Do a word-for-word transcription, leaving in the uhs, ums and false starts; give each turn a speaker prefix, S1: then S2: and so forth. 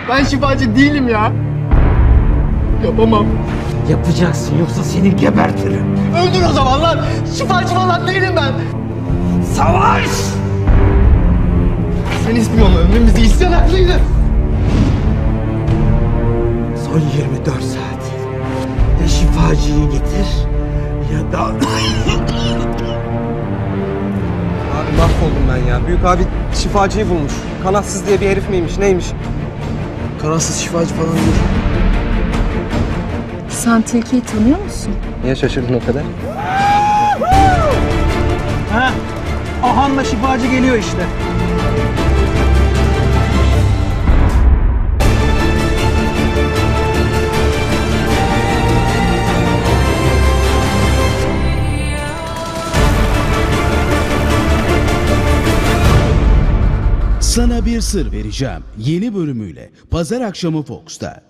S1: Ben şifacı değilim ya. Yapamam.
S2: Yapacaksın yoksa seni gebertirim.
S1: Öldür o zaman lan. Şifacı falan değilim ben.
S2: Savaş!
S1: Sen ispiyonla ömrümüzü isyan haklıydı.
S2: Son yirmi dört saat. Ya şifacıyı getir ya da...
S3: Abi mahvoldum ben ya. Büyük abi şifacıyı bulmuş. Kanatsız diye bir herif miymiş neymiş?
S1: Kanatsız şifacı falan değil.
S4: Sen Tilki'yi tanıyor musun?
S3: Niye şaşırdın o kadar?
S5: Ha? Ahan'la şifacı geliyor işte.
S6: Sana bir sır vereceğim. Yeni bölümüyle Pazar akşamı Fox'ta.